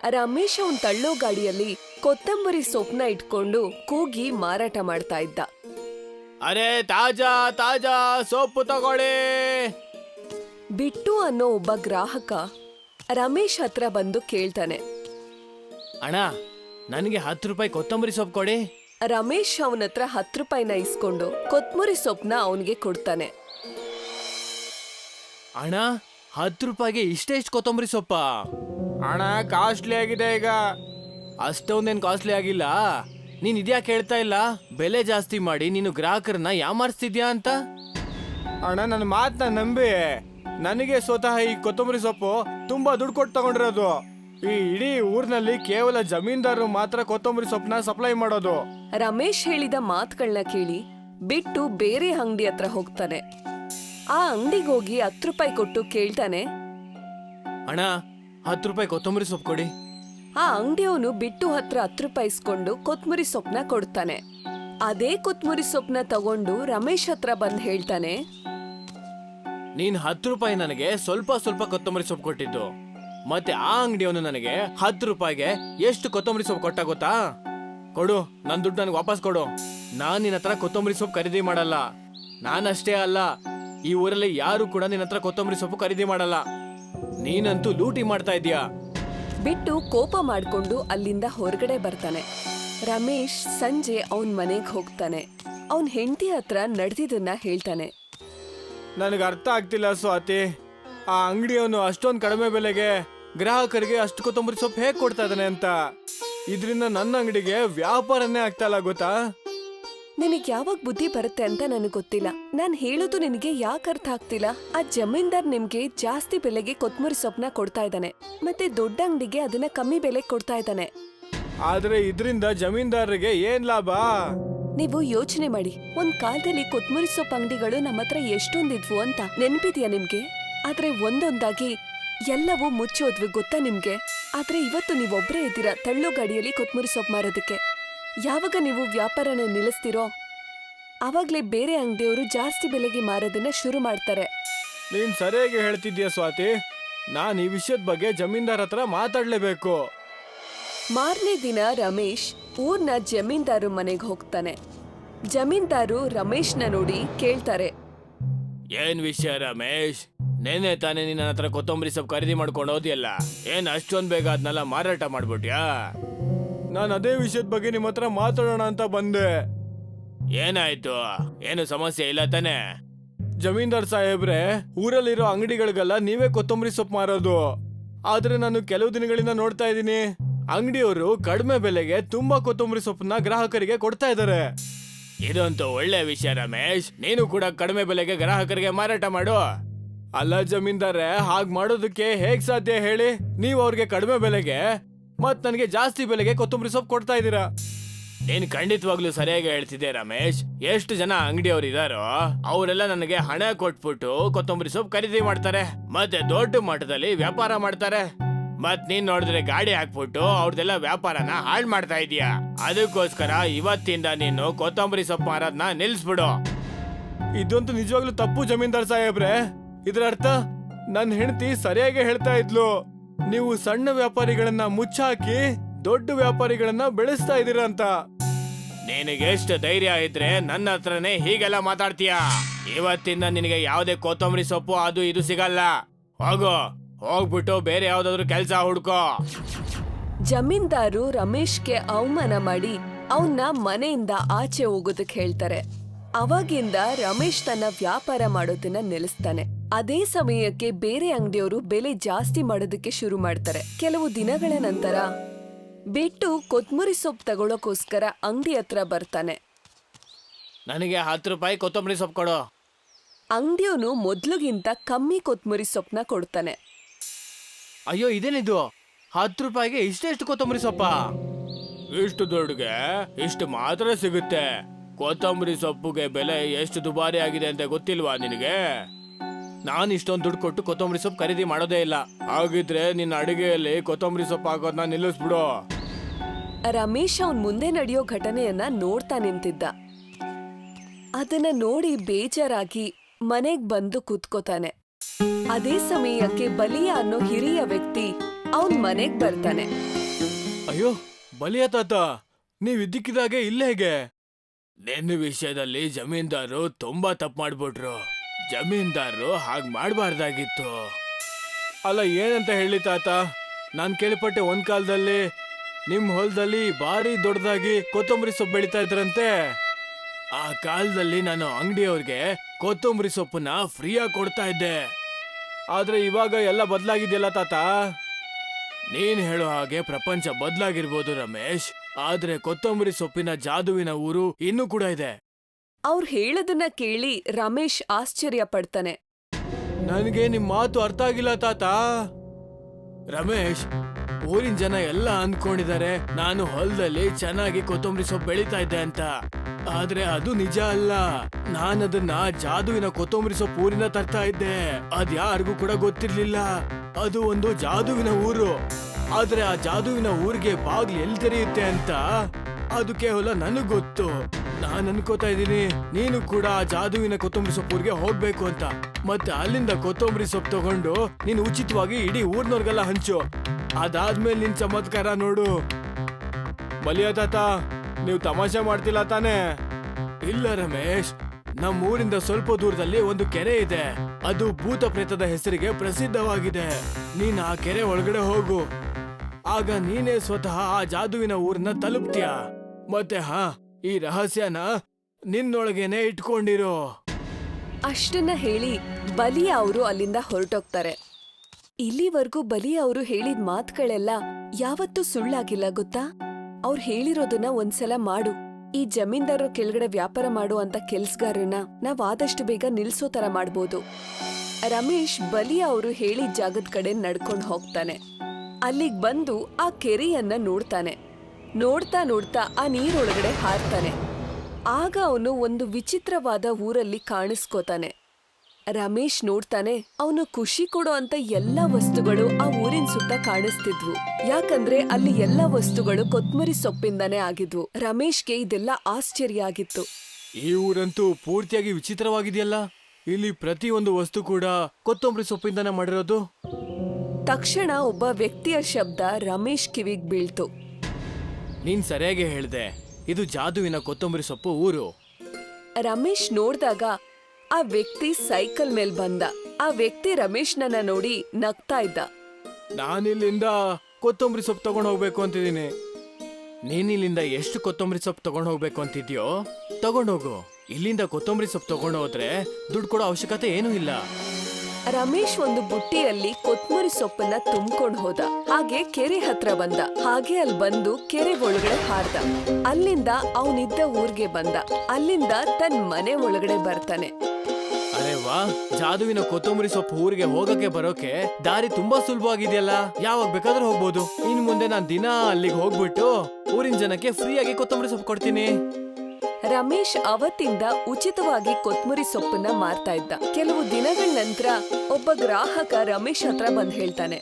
ರಮೇಶ್ ಅವನ್ ತಳ್ಳೋ ಗಾಡಿಯಲ್ಲಿ ಕೊತ್ತಂಬರಿ ಸೊಪ್ಪನ್ನ ಇಟ್ಕೊಂಡು ಕೂಗಿ ಮಾರಾಟ ಮಾಡ್ತಾ ಇದ್ದ. ಅರೆ ತಾಜಾ ತಾಜಾ ಸೊಪ್ಪು ತಗೊಳ್ಳಿ. ಬಿಟ್ಟು ಅನ್ನೋ ಒಬ್ಬ ಗ್ರಾಹಕ ರಮೇಶ್ ಹತ್ರ ಬಂದು ಕೇಳ್ತಾನೆ, ಅಣ್ಣ ನನಗೆ 10 ರೂಪಾಯಿ ಕೊತ್ತಂಬರಿ ಸೊಪ್ಪು ಕೊಡಿ. ರಮೇಶ್ ಅವನ ಹತ್ರ 10 ರೂಪಾಯಿನ ಇಸ್ಕೊಂಡು ಕೊತ್ತಂಬರಿ ಸೊಪ್ಪನ್ನ ಅವನಿಗೆ ಕೊಡ್ತಾನೆ. ಅಣ್ಣ 10 ರೂಪಾಯಿಗೆ ಇಷ್ಟೆಷ್ಟು ಕೊತ್ತಂಬರಿ ಸೊಪ್ಪ? ಅಣ್ಣ ಕಾಸ್ಟ್ಲಿ ಆಗಿದೆ ಈಗ. ಅಷ್ಟೊಂದೇನು ಕಾಸ್ಟ್ಲಿ ಆಗಿಲ್ಲ. ನೀನ್ ಇದ್ಯಾಕೆ ಹೇಳ್ತಾ ಇಲ್ಲ? ಬೆಲೆ ಜಾಸ್ತಿ ಮಾಡಿ ನೀನು ಗ್ರಾಹಕರನ್ನ ಯಾಮಾರಿಸ್ತಿದ್ಯಾ ಅಂತ. ಅಣ್ಣ ನನ್ನ ಮಾತನ್ನ ನಂಬಿ, ನನಗೆ ಸ್ವತಃ ಈ ಕೊತ್ತಂಬರಿ ಸೊಪ್ಪು ತುಂಬಾ ದುಡ್ಡು ಕೊಟ್ಟು ತಗೊಂಡಿರೋದು. ಈ ಇಡೀ ಊರಿನಲ್ಲಿ ಕೇವಲ ಜಮೀನ್ದಾರರು ಮಾತ್ರ ಕೊತ್ತಂಬರಿ ಸೊಪ್ಪನ್ನ ಸಪ್ಲೈ ಮಾಡೋದು. ರಮೇಶ್ ಹೇಳಿದ ಮಾತುಗಳನ್ನ ಕೇಳಿ ಬಿಟ್ಟು ಬೇರೆ ಅಂಗಡಿ ಹತ್ರ ಹೋಗ್ತಾನೆ. ಆ ಅಂಗಡಿಗೋಗಿ 10 ರೂಪಾಯಿ ಕೊಟ್ಟು ಕೇಳ್ತಾನೆ, ಅಣ್ಣ 10 ರೂಪಾಯಿ ಕೊತ್ತಂಬರಿ ಸೊಪ್ಪು ಕೊಡಿ. ಆ ಅಂಗಡಿಯವನು ಬಿಟ್ಟು ಹತ್ರ 10 ರೂಪಾಯಿ ಇಸ್ಕೊಂಡು ಕೊತ್ತಂಬರಿ ಸೊಪ್ಪನ್ನ ಕೊಡ್ತಾನೆ. ಅದೇ ಕೊತ್ತಂಬರಿ ಸೊಪ್ಪನ್ನ ತಗೊಂಡು ರಮೇಶ್ ಹತ್ರ ಬಂದ್ ಹೇಳ್ತಾನೆ, ನೀನ್ 10 ರೂಪಾಯಿ ನನಗೆ ಸ್ವಲ್ಪ ಸ್ವಲ್ಪ ಕೊತ್ತಂಬರಿ ಸೊಪ್ಪು ಕೊಟ್ಟಿದ್ದು, ಮತ್ತೆ ಆ ಅಂಗಡಿಯವನು ನನಗೆ 10 ರೂಪಾಯಿಗೆ ಎಷ್ಟು ಕೊತ್ತಂಬರಿ ಸೊಪ್ಪು ಕೊಟ್ಟ ಗೊತ್ತಾ? ಕೊಡು, ನನ್ನ ದುಡ್ಡು ನನಗೆ ವಾಪಸ್ ಕೊಡು. ನಾನ್ ನಿನ್ನ ಹತ್ರ ಕೊತ್ತಂಬರಿ ಸೊಪ್ಪು ಖರೀದಿ ಮಾಡಲ್ಲ. ನಾನಷ್ಟೇ ಅಲ್ಲ, ಈ ಊರಲ್ಲಿ ಯಾರು ಕೂಡ ನಿನ್ನ ಹತ್ರ ಕೊತ್ತಂಬರಿ ಸೊಪ್ಪು ಖರೀದಿ ಮಾಡಲ್ಲ. ನೀನಂತೂ ಲೂಟಿ ಮಾಡ್ತಾ ಇದೀಯಾ. ಬಿಟ್ಟು ಕೋಪ ಮಾಡ್ಕೊಂಡು ಅಲ್ಲಿಂದ ಹೊರಗಡೆ ಬರ್ತಾನೆ. ರಮೇಶ್ ಸಂಜೆ ಅವನ್ ಮನೆಗ್ ಹೋಗ್ತಾನೆ. ಅವನ್ ಹೆಂಡತಿ ಹತ್ರ ನಡೆದಿದ್ದನ್ನ ಹೇಳ್ತಾನೆ. ನನಗೆ ಅರ್ಥ ಆಗ್ತಿಲ್ಲ ಸ್ವಾತಿ, ಆ ಅಂಗಡಿಯವನು ಅಷ್ಟೊಂದು ಕಡಿಮೆ ಬೆಲೆಗೆ ಗ್ರಾಹಕರಿಗೆ ಅಷ್ಟು ಕೊತ್ತಂಬರಿ ಸೊಪ್ಪು ಹೇಗೆ ಕೊಡ್ತಾ ಇದ್ದಾನೆ ಅಂತ. ಇದರಿಂದ ನನ್ನ ಅಂಗಡಿಗೆ ವ್ಯಾಪಾರನೇ ಆಗ್ತಾ ಇಲ್ಲ ಗೊತ್ತಾ? ನಿನಗ್ ಯಾವಾಗ ಬುದ್ಧಿ ಬರುತ್ತೆ ಅಂತ ನನಗ್ ಗೊತ್ತಿಲ್ಲ. ನಾನ್ ಹೇಳೋದು ನಿನಗೆ ಯಾಕೆ ಅರ್ಥ ಆಗ್ತಿಲ್ಲ? ಆ ಜಮೀನ್ದಾರ್ ನಿಮ್ಗೆ ಜಾಸ್ತಿ ಬೆಲೆಗೆ ಕೊತ್ತಂಬರಿ ಸೊಪ್ಪನ್ನ ಕೊಡ್ತಾ ಇದ್ದಾನೆ, ಮತ್ತೆ ದೊಡ್ಡ ಅಂಗಡಿಗೆ ಅದನ್ನ ಕಮ್ಮಿ ಬೆಲೆಗೆ ಕೊಡ್ತಾ ಇದ್ದಾನೆ. ಆದ್ರೆ ಇದರಿಂದ ಜಮೀನ್ದಾರರಿಗೆ ಏನ್ ಲಾಭ? ನೀವು ಯೋಚನೆ ಮಾಡಿ, ಒಂದ್ ಕಾಲದಲ್ಲಿ ಕೊತ್ತಂಬರಿ ಸೊಪ್ಪು ಅಂಗಡಿಗಳು ನಮ್ಮ ಹತ್ರ ಎಷ್ಟೊಂದಿದ್ವು ಅಂತ ನೆನ್ಪಿದ್ಯಾ ನಿಮ್ಗೆ? ಆದ್ರೆ ಒಂದೊಂದಾಗಿ ಎಲ್ಲವೂ ಮುಚ್ಚೋದ್ವಿ ಗೊತ್ತಾ ನಿಮ್ಗೆ? ಆದ್ರೆ ಇವತ್ತು ನೀವೊಬ್ರೇ ಇದ್ದೀರಾ ತಳ್ಳೋ ಗಾಡಿಯಲ್ಲಿ ಕೊತ್ತಂಬರಿ ಸೊಪ್ಪು ಮಾರೋದಕ್ಕೆ. ಯಾವಾಗ ನೀವು ವ್ಯಾಪಾರನ ನಿಲ್ಲಿಸ್ತಿರೋ ಆವಾಗ್ಲೇ ಬೇರೆ ಅಂಗಡಿಯವರು ಜಾಸ್ತಿ ಬೆಲೆಗೆ ಮಾರೋದನ್ನ ಶುರು ಮಾಡ್ತಾರೆ. ನೀನ್ ಸರಿಯಾಗಿ ಹೇಳ್ತಿದ್ಯಾ ಸ್ವಾತಿ. ನಾನ್ ಈ ವಿಷಯದ ಬಗ್ಗೆ ಜಮೀನ್ದಾರ್ ಹತ್ರ ಮಾತಾಡ್ಲೇಬೇಕು. ಮಾರನೇ ದಿನ ರಮೇಶ್ ಊರ್ನ ಜಮೀನ್ದಾರು ಮನೆಗೆ ಹೋಗ್ತಾನೆ. ಜಮೀನ್ದಾರು ರಮೇಶ್ನ ನೋಡಿ ಕೇಳ್ತಾರೆ, ಏನ್ ವಿಷಯ ರಮೇಶ್? ನೆನ್ನೆ ತಾನೇ ನಿನ್ನ ಹತ್ರ ಕೊತ್ತಂಬರಿ ಸೊಪ್ಪು ಖರೀದಿ ಮಾಡ್ಕೊಂಡು ಹೋದ್ಯಲ್ಲ, ಏನ್ ಅಷ್ಟೊಂದ್ ಬೇಗ ಅದನ್ನೆಲ್ಲ ಮಾರಾಟ ಮಾಡ್ಬಿಟ್ಯಾ? ನಾನು ಅದೇ ವಿಷಯದ ಬಗ್ಗೆ ನಿಮ್ಮ ಹತ್ರ ಮಾತಾಡೋಣ ಅಂತ ಬಂದೆ. ಏನಾಯ್ತು? ಏನು ಸಮಸ್ಯೆ ಇಲ್ಲ ತಾನೆ? ಜಮೀನ್ದಾರ್ ಸಾಹೇಬ್ರೆ, ಊರಲ್ಲಿರೋ ಅಂಗಡಿಗಳಿಗೆಲ್ಲ ನೀವೇ ಕೊತ್ತಂಬರಿ ಸೊಪ್ಪು ಮಾರೋದು. ಆದ್ರೆ ನಾನು ಕೆಲವು ದಿನಗಳಿಂದ ನೋಡ್ತಾ ಇದ್ದೀನಿ, ಅಂಗಡಿಯವರು ಕಡಿಮೆ ಬೆಲೆಗೆ ತುಂಬಾ ಕೊತ್ತಂಬರಿ ಸೊಪ್ಪನ್ನ ಗ್ರಾಹಕರಿಗೆ ಕೊಡ್ತಾ ಇದ್ದಾರೆ. ಇದಂತೂ ಒಳ್ಳೆ ವಿಷಯ ರಮೇಶ್. ನೀನು ಕೂಡ ಕಡಿಮೆ ಬೆಲೆಗೆ ಗ್ರಾಹಕರಿಗೆ ಮಾರಾಟ ಮಾಡು. ಅಲ್ಲ ಜಮೀನ್ದಾರೆ, ಹಾಗ್ ಮಾಡೋದಕ್ಕೆ ಹೇಗ್ ಸಾಧ್ಯ ಹೇಳಿ? ನೀವು ಅವ್ರಿಗೆ ಕಡಿಮೆ ಬೆಲೆಗೆ ಮತ್ ನನಗೆ ಜಾಸ್ತಿ ಬೆಲೆಗೆ ಕೊತ್ತಂಬರಿ ಸೊಪ್ಪು ಕೊಡ್ತಾ ಇದ್ದೀರಾ. ನೀನ್ ಖಂಡಿತವಾಗ್ಲೂ ಸರಿಯಾಗಿ ಹೇಳ್ತಿದ್ದೆ ರಮೇಶ್. ಎಷ್ಟು ಜನ ಅಂಗಡಿಯವರು ಇದಾರೋ ಅವರೆಲ್ಲ ನನಗೆ ಹಣ ಕೊಟ್ಬಿಟ್ಟು ಕೊತ್ತಂಬರಿ ಸೊಪ್ಪು ಖರೀದಿ ಮಾಡ್ತಾರೆ, ಮತ್ತೆ ದೊಡ್ಡ ಮಟ್ಟದಲ್ಲಿ ವ್ಯಾಪಾರ ಮಾಡ್ತಾರೆ. ಮತ್ ನೀನ್ ನೋಡಿದ್ರೆ ಗಾಡಿ ಹಾಕ್ಬಿಟ್ಟು ಅವ್ರದೆಲ್ಲ ವ್ಯಾಪಾರನ ಹಾಳು ಮಾಡ್ತಾ ಇದೀಯ. ಅದಕ್ಕೋಸ್ಕರ ಇವತ್ತಿಂದ ನೀನು ಕೊತ್ತಂಬರಿ ಸೊಪ್ಪು ಮಾರೋದನ್ನ ನಿಲ್ಸ್ಬಿಡು. ಇದಂತೂ ನಿಜವಾಗ್ಲೂ ತಪ್ಪು ಜಮೀನ್ದಾರ್ ಸಾಹೇಬ್ರೆ. ಇದರ ಅರ್ಥ ನನ್ನ ಹೆಂಡತಿ ಸರಿಯಾಗಿ ಹೇಳ್ತಾ ಇದ್ಲು, ನೀವು ಸಣ್ಣ ವ್ಯಾಪಾರಿಗಳನ್ನ ಮುಚ್ಚಾಕಿ ದೊಡ್ಡ ವ್ಯಾಪಾರಿಗಳನ್ನ ಬೆಳೆಸ್ತಾ ಇದೀರ ಅಂತ. ನಿನಗೆ ಎಷ್ಟು ಧೈರ್ಯ ಇದ್ರೆ ನನ್ನ ಹತ್ರನೇ ಹೀಗೆಲ್ಲ ಮಾತಾಡ್ತೀಯ? ಇವತ್ತಿಂದ ನಿನಗೆ ಯಾವುದೇ ಕೊತ್ತಂಬರಿ ಸೊಪ್ಪು ಅದು ಇದು ಸಿಗಲ್ಲ. ಹೋಗು, ಹೋಗ್ಬಿಟ್ಟು ಬೇರೆ ಯಾವ್ದಾದ್ರು ಕೆಲಸ ಹುಡ್ಕೋ. ಜಮೀನ್ದಾರು ರಮೇಶ್ಗೆ ಅವಮಾನ ಮಾಡಿ ಅವನ್ನ ಮನೆಯಿಂದ ಆಚೆ ಹೋಗೋದಕ್ಕೆ ಹೇಳ್ತಾರೆ. ಅವಾಗಿಂದ ರಮೇಶ್ ತನ್ನ ವ್ಯಾಪಾರ ಮಾಡೋದನ್ನ ನಿಲ್ಲಿಸ್ತಾನೆ. ಅದೇ ಸಮಯಕ್ಕೆ ಬೇರೆ ಅಂಗಡಿಯವರು ಬೆಲೆ ಜಾಸ್ತಿ ಮಾಡೋದಕ್ಕೆ ಶುರು ಮಾಡ್ತಾರೆ. ಕೆಲವು ದಿನಗಳ ನಂತರ ಬಿಟ್ಟು ಕೊತ್ತಂಬರಿ ಸೊಪ್ಪು ತಗೊಳ್ಳೋಕೋಸ್ಕರ ಅಂಗಡಿ ಹತ್ರ ಬರ್ತಾನೆ. ನನಗೆ 10 ರೂಪಾಯಿ ಕೊತ್ತಂಬರಿ ಸೊಪ್ಪು ಕೊಡು. ಅಂಗಡಿಯವನು ಮೊದ್ಲಿಗಿಂತ ಕಮ್ಮಿ ಕೊತ್ತಂಬರಿ ಸೊಪ್ಪನ್ನ ಕೊಡ್ತಾನೆ. ಅಯ್ಯೋ, ಇದೇನಿದು? 10 ರೂಪಾಯಿಗೆ ಇಷ್ಟೆಷ್ಟು ಕೊತ್ತಂಬರಿ ಸೊಪ್ಪ? ಇಷ್ಟು ದುಡ್ಡುಗೆ ಇಷ್ಟು ಮಾತ್ರ ಸಿಗುತ್ತೆ. ಕೊತ್ತಂಬರಿ ಸೊಪ್ಪುಗೆ ಬೆಲೆ ಎಷ್ಟು ದುಬಾರಿ ಆಗಿದೆ ಅಂತ ಗೊತ್ತಿಲ್ವಾ ನಿನಗೆ? ನಾನು ಇಷ್ಟೊಂದು ದುಡ್ಡು ಕೊಟ್ಟು ಕೊತ್ತಂಬರಿ ಸೊಪ್ಪು ಖರೀದಿ ಮಾಡೋದೇ ಇಲ್ಲ. ಹಾಗಿದ್ರೆ ನಿನ್ನ ಅಡಿಗೆಯಲ್ಲಿ ಕೊತ್ತಂಬರಿ ಸೊಪ್ಪು ಹಾಕೋದನ್ನ ನಿಲ್ಲಿಸ್ಬಿಡು. ರಮೇಶ್ ಅವನ್ ಮುಂದೆ ನಡೆಯೋ ಘಟನೆಯನ್ನ ನೋಡ್ತಾ ನಿಂತಿದ್ದ. ಅದನ್ನ ನೋಡಿ ಬೇಜಾರಾಗಿ ಮನೆಗ್ ಬಂದು ಕೂತ್ಕೋತಾನೆ. ಅದೇ ಸಮಯಕ್ಕೆ ಬಲಿಯ ಅನ್ನೋ ಹಿರಿಯ ವ್ಯಕ್ತಿ ಅವನ್ ಮನೆಗ್ ಬರ್ತಾನೆ. ಅಯ್ಯೋ ಬಲಿಯ ತಾತ, ನೀವ್ ಇದ್ದಕ್ಕಿದಾಗೆ ಇಲ್ಲೇ ಹೇಗೆ? ನಿನ್ನ ವಿಷಯದಲ್ಲಿ ಜಮೀನ್ದಾರು ತುಂಬಾ ತಪ್ಪು ಮಾಡ್ಬಿಟ್ರು. ಜಮೀನ್ದಾರರು ಹಾಗ್ ಮಾಡ್ಬಾರ್ದಾಗಿತ್ತು. ಅಲ್ಲ ಏನಂತ ಹೇಳಿ ತಾತ, ನಾನ್ ಕೇಳ್ಪಟ್ಟೆ ಒಂದ್ ಕಾಲದಲ್ಲಿ ನಿಮ್ ಹೊಲದಲ್ಲಿ ಭಾರಿ ದೊಡ್ಡದಾಗಿ ಕೊತ್ತಂಬರಿ ಸೊಪ್ಪು ಬೆಳೀತಾ ಇದ್ರಂತೆ. ಆ ಕಾಲದಲ್ಲಿ ನಾನು ಅಂಗಡಿಯವ್ರಿಗೆ ಕೊತ್ತಂಬರಿ ಸೊಪ್ಪನ್ನ ಫ್ರೀಯಾಗಿ ಕೊಡ್ತಾ ಇದ್ದೆ. ಆದ್ರೆ ಇವಾಗ ಎಲ್ಲ ಬದಲಾಗಿದೆಯಲ್ಲ ತಾತ. ನೀನ್ ಹೇಳೋ ಹಾಗೆ ಪ್ರಪಂಚ ಬದಲಾಗಿರ್ಬೋದು ರಮೇಶ್, ಆದ್ರೆ ಕೊತ್ತಂಬರಿ ಸೊಪ್ಪಿನ ಜಾದುವಿನ ಊರು ಇನ್ನೂ ಕೂಡ ಇದೆ. ಅವ್ರು ಹೇಳೋದನ್ನ ಕೇಳಿ ರಮೇಶ್ ಆಶ್ಚರ್ಯ ಪಡ್ತಾನೆ. ನನಗೆ ನಿಮ್ ಮಾತು ಅರ್ಥ ಆಗಿಲ್ಲ ತಾತ. ರಮೇಶ್, ಊರಿನ ಜನ ಎಲ್ಲ ಅನ್ಕೊಂಡಿದ್ದಾರೆ ನಾನು ಹೊಲದಲ್ಲಿ ಚೆನ್ನಾಗಿ ಕೊತ್ತಂಬರಿ ಸೊಪ್ಪು ಬೆಳೀತಾ ಇದ್ದೆ ಅಂತ. ಆದ್ರೆ ಅದು ನಿಜ ಅಲ್ಲ. ನಾನದನ್ನ ಜಾದುವಿನ ಕೊತ್ತಂಬರಿ ಸೊಪ್ಪು ಊರಿನ ತರ್ತಾ ಇದ್ದೆ. ಅದ್ಯಾರಿಗೂ ಕೂಡ ಗೊತ್ತಿರ್ಲಿಲ್ಲ. ಅದು ಒಂದು ಜಾದುವಿನ ಊರು. ಆದ್ರೆ ಆ ಜಾದುವಿನ ಊರಿಗೆ ಬಾಗ್ಲು ಎಲ್ಲಿ ತೆರೆಯುತ್ತೆ ಅಂತ ಅದು ಕೇವಲ ನನಗ್ ಗೊತ್ತು. ನಾನ್ ಅನ್ಕೋತಾ ಇದ್ದೀನಿ ನೀನು ಕೂಡ ಆ ಜಾದುವಿನ ಕೊತ್ತಂಬರಿ ಸೊಪ್ಪು ಊರಿಗೆ ಹೋಗ್ಬೇಕು ಅಂತ. ಮತ್ತೆ ಅಲ್ಲಿಂದ ಕೊತ್ತಂಬರಿ ಸೊಪ್ಪು ತಗೊಂಡು ನೀನು ಉಚಿತವಾಗಿ ಇಡೀ ಊರ್ನವ್ರಿಗೆಲ್ಲ ಹಂಚು. ಅದಾದ್ಮೇಲೆ ನಿನ್ ಚಮತ್ಕಾರ ನೋಡು. ಬಲಿಯ ತಾತ, ನೀವು ತಮಾಷೆ ಮಾಡ್ತಿಲ್ಲ ತಾನೇ? ಇಲ್ಲ ರಮೇಶ್, ನಮ್ಮ ಊರಿಂದ ಸ್ವಲ್ಪ ದೂರದಲ್ಲಿ ಒಂದು ಕೆರೆ ಇದೆ. ಅದು ಭೂತ ಪ್ರೇತದ ಹೆಸರಿಗೆ ಪ್ರಸಿದ್ಧವಾಗಿದೆ. ನೀನ್ ಆ ಕೆರೆ ಒಳಗಡೆ ಹೋಗು. ಆಗ ನೀನೇ ಸ್ವತಃ ಆ ಜಾದುವಿನ ಊರನ್ನ ತಲುಪ್ತೀಯ. ಮತ್ತೆ ಈ ರಹಸ್ಯನ ನಿನ್ನೊಳಗೇನೆ ಇಟ್ಕೊಂಡಿರೋ. ಅಷ್ಟನ್ನ ಹೇಳಿ ಬಲಿಯ ಅವರು ಅಲ್ಲಿಂದ ಹೊರಟೋಗ್ತಾರೆ. ಇಲ್ಲಿವರೆಗೂ ಬಲಿಯ ಅವರು ಹೇಳಿದ ಮಾತುಗಳೆಲ್ಲ ಯಾವತ್ತೂ ಸುಳ್ಳಾಗಿಲ್ಲ ಗೊತ್ತಾ? ಅವ್ರು ಹೇಳಿರೋದನ್ನ ಒಂದ್ಸಲ ಮಾಡು. ಈ ಜಮೀನ್ದಾರರ ಕೆಳಗಡೆ ವ್ಯಾಪಾರ ಮಾಡೋ ಅಂತ ಕೆಲ್ಸಗಾರನ್ನ ನಾವ್ ಆದಷ್ಟು ಬೇಗ ನಿಲ್ಸೋ ತರ ಮಾಡ್ಬೋದು. ರಮೇಶ್ ಬಲಿಯ ಅವರು ಹೇಳಿದ ಜಾಗದ ಕಡೆ ನಡ್ಕೊಂಡು ಹೋಗ್ತಾನೆ. ಅಲ್ಲಿಗ್ ಬಂದು ಆ ಕೆರೆಯನ್ನ ನೋಡ್ತಾನೆ. ನೋಡ್ತಾ ನೋಡ್ತಾ ಆ ನೀರೊಳಗಡೆ ಹಾರ್ತಾನೆ. ಆಗ ಅವನು ಒಂದು ವಿಚಿತ್ರವಾದ ಊರಲ್ಲಿ ಕಾಣಿಸ್ಕೋತಾನೆ. ರಮೇಶ್ ನೋಡ್ತಾನೆ, ಅವನು ಖುಷಿ ಕೊಡೋ ಅಂತ ಎಲ್ಲಾ ವಸ್ತುಗಳು ಆ ಊರಿನ ಸುತ್ತ ಕಾಣಿಸ್ತಿದ್ವು. ಯಾಕಂದ್ರೆ ಅಲ್ಲಿ ಎಲ್ಲಾ ವಸ್ತುಗಳು ಕೊತ್ಮರಿ ಸೊಪ್ಪಿಂದಾನೇ ಆಗಿದ್ವು. ರಮೇಶ್ಗೆ ಇದೆಲ್ಲ ಆಶ್ಚರ್ಯ ಆಗಿತ್ತು. ಈ ಊರಂತೂ ಪೂರ್ತಿಯಾಗಿ ವಿಚಿತ್ರವಾಗಿದೆಯಲ್ಲ. ಇಲ್ಲಿ ಪ್ರತಿಯೊಂದು ವಸ್ತು ಕೂಡ ಕೊತ್ತಂಬರಿ ಸೊಪ್ಪಿಂದಾನೇ ಮಾಡಿರೋದು. ತಕ್ಷಣ ಒಬ್ಬ ವ್ಯಕ್ತಿಯ ಶಬ್ದ ರಮೇಶ್ ಕಿವಿಗ್ ಬೀಳ್ತು. ನೀನ್ ಸರಿಯಾಗಿ ಹೇಳ್ದೆ, ಇದು ಜಾದುವಿನ ಕೊತ್ತಂಬರಿ ಸೊಪ್ಪು ಊರು. ರಮೇಶ್ ನೋಡ್ದಾಗ ಆ ವ್ಯಕ್ತಿ ಸೈಕಲ್ ಮೇಲ್ ಬಂದ. ಆ ವ್ಯಕ್ತಿ ರಮೇಶ್ನನ್ನ ನೋಡಿ ನಗ್ತಾ ಇದ್ದ. ನಾನಿಲ್ಲಿಂದ ಕೊತ್ತಂಬರಿ ಸೊಪ್ಪು ತಗೊಂಡ್ ಹೋಗ್ಬೇಕು ಅಂತಿದ್ದೀನಿ. ನೀನಿಲ್ಲಿಂದ ಎಷ್ಟು ಕೊತ್ತಂಬರಿ ಸೊಪ್ಪು ತಗೊಂಡ್ ಹೋಗ್ಬೇಕು ಅಂತಿದ್ಯೋ ತಗೊಂಡೋಗು. ಇಲ್ಲಿಂದ ಕೊತ್ತಂಬರಿ ಸೊಪ್ಪು ತಗೊಂಡ್ ಹೋದ್ರೆ ದುಡ್ಡು ಕೊಡೋ ಅವಶ್ಯಕತೆ ಏನೂ ಇಲ್ಲ. ರಮೇಶ್ ಒಂದು ಬುಟ್ಟಿಯಲ್ಲಿ ಕೊತ್ಮುರಿ ಸೊಪ್ಪನ್ನ ತುಂಬ್ಕೊಂಡ್ ಹೋದ. ಹಾಗೆ ಕೆರೆ ಹತ್ರ ಬಂದ. ಹಾಗೆ ಅಲ್ಲಿ ಬಂದು ಕೆರೆ ಒಳಗಡೆ ಹಾರ್ದ. ಅಲ್ಲಿಂದ ಅವನಿದ್ದ ಊರ್ಗೆ ಬಂದ. ಅಲ್ಲಿಂದ ತನ್ ಮನೆ ಒಳಗಡೆ ಬರ್ತಾನೆ. ಅರೆ ವಾ, ಜಾದುವಿನ ಕೊತ್ತಂಬರಿ ಸೊಪ್ಪು ಊರಿಗೆ ಹೋಗಕ್ಕೆ ಬರೋಕೆ ದಾರಿ ತುಂಬಾ ಸುಲಭವಾಗಿದೆಯಲ್ಲ. ಯಾವಾಗ ಬೇಕಾದ್ರೂ ಹೋಗ್ಬೋದು. ಇನ್ ಮುಂದೆ ನಾನ್ ದಿನ ಅಲ್ಲಿಗೆ ಹೋಗ್ಬಿಟ್ಟು ಊರಿನ ಜನಕ್ಕೆ ಫ್ರೀಯಾಗಿ ಕೊತ್ತಂಬರಿ ಸೊಪ್ಪು ಕೊಡ್ತೀನಿ. ರಮೇಶ್ ಅವತ್ತಿಂದ ಉಚಿತವಾಗಿ ಕೊತ್ಮುರಿ ಸೊಪ್ಪನ್ನ ಮಾರ್ತಾ ಇದ್ದ. ಕೆಲವು ದಿನಗಳ ನಂತರ ಒಬ್ಬ ಗ್ರಾಹಕ ರಮೇಶ್ ಹತ್ರ ಬಂದ್ ಹೇಳ್ತಾನೆ,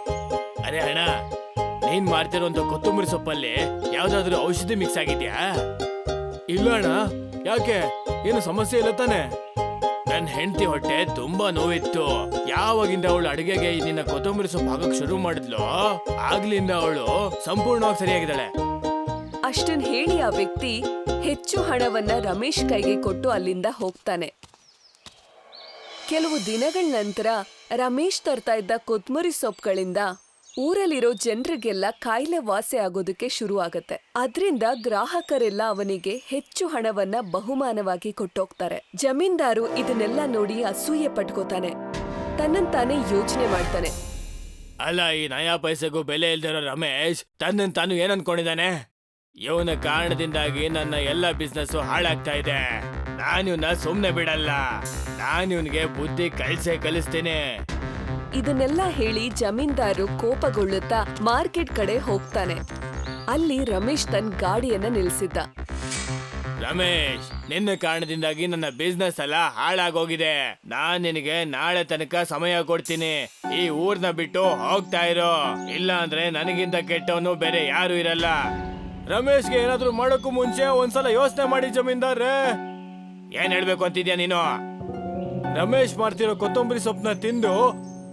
ಅರೆ ಅಣ್ಣ, ನೀನ್ ಮಾಡ್ತಿರೋಂತ ಕೊತ್ತಂಬರಿ ಸೊಪ್ಪಲ್ಲಿ ಯಾವ್ದಾದ್ರು ಔಷಧಿ ಮಿಕ್ಸ್ ಆಗಿದ್ಯಾ? ಇಲ್ಲ ಅಣ್ಣ, ಯಾಕೆ? ಏನು ಸಮಸ್ಯೆ ಇಲ್ಲ ತಾನೆ? ನನ್ ಹೆಂಡತಿ ಹೊಟ್ಟೆ ತುಂಬಾ ನೋವಿತ್ತು. ಯಾವಾಗಿಂದ ಅವಳು ಅಡಿಗೆಗೆ ನಿನ್ನ ಕೊತ್ತಂಬರಿ ಸೊಪ್ಪು ಹಾಕಕ್ ಶುರು ಮಾಡಿದ್ಲು, ಆಗ್ಲಿಂದ ಅವಳು ಸಂಪೂರ್ಣವಾಗಿ ಸರಿಯಾಗಿದ್ದಾಳೆ. ಅಷ್ಟನ್ ಹೇಳಿ ಆ ವ್ಯಕ್ತಿ ಹೆಚ್ಚು ಹಣವನ್ನ ರಮೇಶ್ ಕೈಗೆ ಕೊಟ್ಟು ಅಲ್ಲಿಂದ ಹೋಗ್ತಾನೆ. ಕೆಲವು ದಿನಗಳ ನಂತರ ರಮೇಶ್ ತರ್ತಾ ಇದ್ದ ಕೊತ್ಮುರಿ ಸೊಪ್ಪುಗಳಿಂದ ಊರಲ್ಲಿರೋ ಜನರಿಗೆಲ್ಲ ಕಾಯಿಲೆ ವಾಸಿ ಆಗೋದಕ್ಕೆ ಶುರು ಆಗತ್ತೆ. ಅದ್ರಿಂದ ಗ್ರಾಹಕರೆಲ್ಲ ಅವನಿಗೆ ಹೆಚ್ಚು ಹಣವನ್ನ ಬಹುಮಾನವಾಗಿ ಕೊಟ್ಟೋಗ್ತಾರೆ. ಜಮೀನ್ದಾರು ಇದನ್ನೆಲ್ಲ ನೋಡಿ ಅಸೂಯೆ ಪಟ್ಕೋತಾನೆ. ತನ್ನಂತಾನೆ ಯೋಚನೆ ಮಾಡ್ತಾನೆ, ಅಲ್ಲ, ಈ ನಯಾ ಪೈಸೆಗೂ ಬೆಲೆ ಇಲ್ದಿರೋ ರಮೇಶ್ ತನ್ನನ್ ತಾನು ಏನ್ ಅನ್ಕೊಂಡಿದ್ದಾನೆ? ಇವನ ಕಾರಣದಿಂದಾಗಿ ನನ್ನ ಎಲ್ಲ ಬಿಸ್ನೆಸ್ ಹಾಳಾಗ್ತಾ ಇದೆ. ನಾನಿವ್ನ ಸುಮ್ನೆ ಬಿಡಲ್ಲ. ನಾನಿವ್ನಿಗೆ ಬುದ್ಧಿ ಕಲಿಸ್ತೀನಿ. ಇದನ್ನೆಲ್ಲ ಹೇಳಿ ಜಮೀನ್ದಾರು ಕೋಪಗೊಳ್ಳುತ್ತಾ ಮಾರ್ಕೆಟ್ ಕಡೆ ಹೋಗ್ತಾನೆ. ಅಲ್ಲಿ ರಮೇಶ್ ತನ್ನ ಗಾಡಿಯನ್ನ ನಿಲ್ಸಿದ್ದ. ರಮೇಶ್, ನಿನ್ನ ಕಾರಣದಿಂದಾಗಿ ನನ್ನ ಬಿಸ್ನೆಸ್ ಎಲ್ಲ ಹಾಳಾಗೋಗಿದೆ. ನಾನ್ ನಿನಗೆ ನಾಳೆ ತನಕ ಸಮಯ ಕೊಡ್ತೀನಿ. ಈ ಊರ್ನ ಬಿಟ್ಟು ಹೋಗ್ತಾ ಇರೋ, ಇಲ್ಲ ಅಂದ್ರೆ ನನಗಿಂತ ಕೆಟ್ಟವನು ಬೇರೆ ಯಾರು ಇರಲ್ಲ. ರಮೇಶ್ಗೆ ಏನಾದ್ರೂ ಮಾಡೋಕ್ಕೂ ಮುಂಚೆ ಒಂದ್ಸಲ ಯೋಚನೆ ಮಾಡಿ ಜಮೀನ್ದಾರ್ರೆ. ಏನ್ ಹೇಳ್ಬೇಕು ಅಂತಿದ್ಯಾ ನೀನು? ರಮೇಶ್ ಮಾಡ್ತಿರೋ ಕೊತ್ತಂಬರಿ ಸೊಪ್ಪನ್ನ ತಿಂದು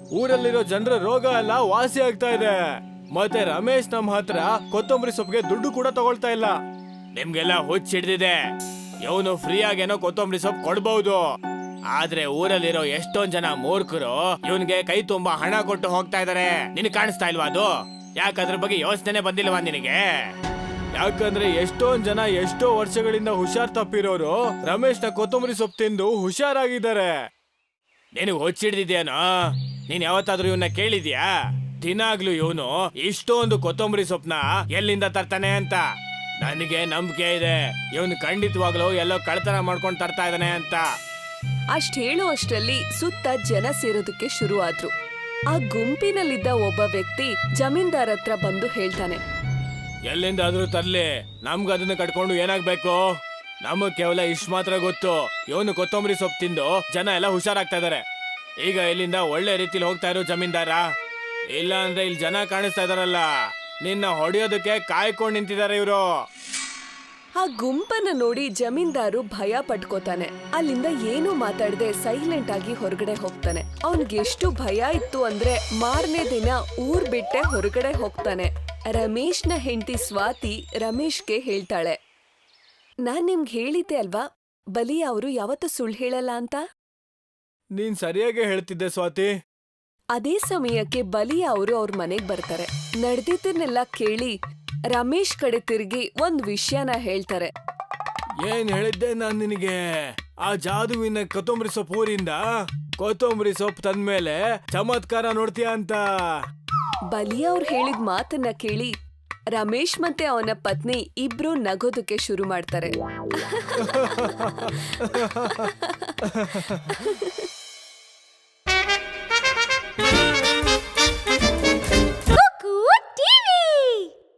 ಊರಲ್ಲಿರೋ ಜನರ ರೋಗ ಎಲ್ಲ ವಾಸಿ ಆಗ್ತಾ ಇದೆ. ಮತ್ತೆ ರಮೇಶ್ ನಮ್ಮ ಹತ್ರ ಕೊತ್ತಂಬರಿ ಸೊಪ್ಪಿಗೆ ದುಡ್ಡು ಕೂಡ ತಗೊಳ್ತಾ ಇಲ್ಲ. ನಿಮ್ಗೆಲ್ಲ ಹುಚ್ಚಿಡ್ದಿದೆ. ಇವನು ಫ್ರೀ ಆಗೇನೋ ಕೊತ್ತಂಬರಿ ಸೊಪ್ಪು ಕೊಡ್ಬಹುದು, ಆದ್ರೆ ಊರಲ್ಲಿರೋ ಎಷ್ಟೊಂದ್ ಜನ ಮೂರ್ಖರು ಇವನ್ಗೆ ಕೈ ತುಂಬಾ ಹಣ ಕೊಟ್ಟು ಹೋಗ್ತಾ ಇದಾರೆ. ನಿನ್ ಕಾಣಿಸ್ತಾ ಇಲ್ವಾ ಅದು? ಯಾಕದ್ರ ಬಗ್ಗೆ ಯೋಚನೆ ಬಂದಿಲ್ವಾ ನಿನಗೆ? ಯಾಕಂದ್ರೆ ಎಷ್ಟೊಂದ್ ಜನ ಎಷ್ಟೋ ವರ್ಷಗಳಿಂದ ಹುಷಾರ್ ತಪ್ಪಿರೋರು ರಮೇಶ್ನ ಕೊತ್ತಂಬರಿ ಸೊಪ್ಪು ತಿಂದು ಹುಷಾರಾಗಿದ್ದಾರೆ. ನಿನಗ್ ಹೊಚ್ಚಿಡ್ದಿದ್ಯಾನೋ? ನೀನ್ ಯಾವತ್ತಾದ್ರೂ ಇವನ್ನ ಕೇಳಿದ್ಯಾ ದಿನಾಗ್ಲೂ ಇವನು ಇಷ್ಟೊಂದು ಕೊತ್ತಂಬರಿ ಸೊಪ್ಪನ್ನ ಎಲ್ಲಿಂದ ತರ್ತಾನೆ ಅಂತ? ನನಗೆ ನಂಬಿಕೆ ಇದೆ ಇವನು ಖಂಡಿತವಾಗ್ಲೂ ಎಲ್ಲೋ ಕಳ್ತನ ಮಾಡ್ಕೊಂಡು ತರ್ತಾ ಇದ್ದಾನೆ ಅಂತ. ಅಷ್ಟ್ ಹೇಳುವಷ್ಟರಲ್ಲಿ ಸುತ್ತ ಜನ ಸೇರೋದಕ್ಕೆ ಶುರು ಆದ್ರು. ಆ ಗುಂಪಿನಲ್ಲಿದ್ದ ಒಬ್ಬ ವ್ಯಕ್ತಿ ಜಮೀನ್ದಾರ್ ಹತ್ರ ಬಂದು ಹೇಳ್ತಾನೆ, ಎಲ್ಲಿಂದಾದ್ರೂ ತರ್ಲಿ, ನಮ್ಗ ಅದನ್ನ ಕಟ್ಕೊಂಡು ಏನಾಗ್ಬೇಕು? ನಮಗ್ ಕೇವಲ ಇಷ್ಟ ಮಾತ್ರ ಗೊತ್ತು, ಇವನು ಕೊತ್ತಂಬರಿ ಸೊಪ್ಪು ತಿಂದು ಜನ ಎಲ್ಲ ಹುಷಾರಾಗ್ತಾ ಇದಾರೆ. ಈಗ ಇಲ್ಲಿಂದ ಒಳ್ಳೆ ರೀತಿಲಿ ಹೋಗ್ತಾ ಇರೋ ಜಮೀನ್ದಾರ, ಇಲ್ಲ ಅಂದ್ರೆ ಇಲ್ಲಿ ಜನ ಕಾಣಿಸ್ತಾ ಇದಾರಲ್ಲ, ನಿನ್ನ ಹೊಡೆಯೋದಕ್ಕೆ ಕಾಯ್ಕೊಂಡು ನಿಂತಿದ್ದಾರೆ ಇವರು. ಆ ಗುಂಪನ್ನ ನೋಡಿ ಜಮೀನ್ದಾರು ಭಯ ಪಟ್ಕೋತಾನೆ. ಅಲ್ಲಿಂದ ಏನೂ ಮಾತಾಡದೆ ಸೈಲೆಂಟ್ ಆಗಿ ಹೊರಗಡೆ ಹೋಗ್ತಾನೆ. ಅವನ್ಗೆ ಎಷ್ಟು ಭಯ ಇತ್ತು ಅಂದ್ರೆ ಮಾರನೇ ದಿನ ಊರ್ ಬಿಟ್ಟೆ ಹೊರಗಡೆ ಹೋಗ್ತಾನೆ. ರಮೇಶ್ನ ಹೆಂಡತಿ ಸ್ವಾತಿ ರಮೇಶ್ಗೆ ಹೇಳ್ತಾಳೆ, ನಾನ್ ನಿಮ್ಗೆ ಹೇಳಿದ್ದೆ ಅಲ್ವಾ ಬಲಿ ಅವರು ಯಾವತ್ತೂ ಸುಳ್ಳು ಹೇಳಲ್ಲ ಅಂತ. ನೀನ್ ಸರಿಯಾಗಿ ಹೇಳ್ತಿದ್ದೆ ಸ್ವಾತಿ. ಅದೇ ಸಮಯಕ್ಕೆ ಬಲಿ ಅವರು ಅವ್ರ ಮನೆಗ್ ಬರ್ತಾರೆ. ನಡೆದಿದ್ದನ್ನೆಲ್ಲ ಕೇಳಿ ರಮೇಶ್ ಕಡೆ ತಿರುಗಿ ಒಂದ್ ವಿಷಯನ ಹೇಳ್ತಾರೆ. ಏನ್ ಹೇಳಿದ್ದೆ ನಾನ್ ನಿನಗೆ? ಆ ಜಾದುವಿನ ಕೊತ್ತಂಬರಿ ಸೊಪ್ಪು ಊರಿಂದ ಕೊತ್ತಂಬರಿ ಸೊಪ್ಪು ತಂದ್ಮೇಲೆ ಚಮತ್ಕಾರ ನೋಡ್ತೀಯ ಅಂತ. ಬಲಿ ಅವ್ರು ಹೇಳಿದ ಮಾತನ್ನ ಕೇಳಿ ರಮೇಶ್ ಮತ್ತೆ ಅವನ ಪತ್ನಿ ಇಬ್ರು ನಗೋದಕ್ಕೆ ಶುರು ಮಾಡ್ತಾರೆ.